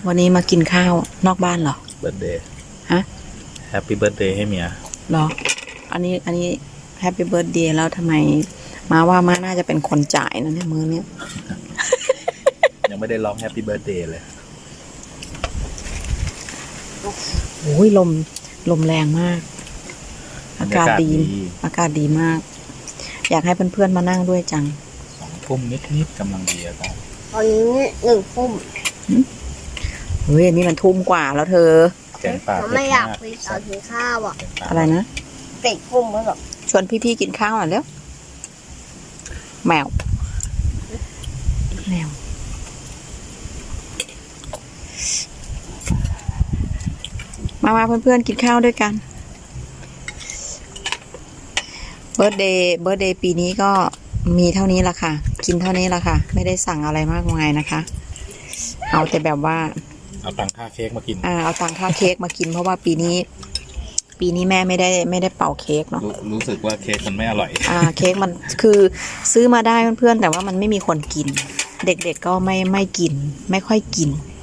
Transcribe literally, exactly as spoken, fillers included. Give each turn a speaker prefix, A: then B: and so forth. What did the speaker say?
A: วันนี้มากินข้าวนอกบ้านเหรอ
B: เบิร์ดเดย์
A: ฮะ
B: แฮปปี้เบิร์ดเดย์ให้เมีย
A: เหรออันนี้อันนี้แฮปปี้เบิร์ดเดย์แล้วทำไมมาว่ามาน่าจะเป็นคนจ่ายนะเนี่ยมือเนี้ย
B: ยังไม่ได้ร้องแฮปปี้เบิร์ดเดย์เลย
A: โอ้ยลมลมแรงมากอากาศดีอากาศดีมาก อยากให้เพื่อนๆมานั่งด้วยจัง
B: สองทุ่มนิดๆกำลังดีอาจารย์
C: ตอนนี้หนึ่งทุ่ม
A: เฮ้ยนี่มันทุ่มกว่าแล้วเธอ
B: แกงป่า
C: ไม่อยากไปเอากินข้าวอ่ะ
A: อะไรนะ
C: ติดทุ่มแล้วหรอ
A: ชวนพี่ๆกินข้าวหน่อยเร็วแมวแมวมามาเพื่อนๆกินข้าวด้วยกันเบิร์ดเดย์เบิร์ดเดย์ปีนี้ก็มีเท่านี้ละค่ะกินเท่านี้ละค่ะไม่ได้สั่งอะไรมากมายนะคะเอาแต่แบบว่า
B: เอาตังค่าเค้กมากิน
A: อ่าเอาตังค่าเค้กมากินเพราะว่าปีนี้ปีนี้แม่ไม่ได้ไม่ได้เป่าเค้กเนาะ
B: รู้สึกว่าเค้กมันไม่อร่อย
A: อ่าเค้กมันคือซื้อมาได้เพื่อนๆแต่ว่ามันไม่มีคนกินเด็กๆก็ไม่ไม่กินไม่ค่อยกิน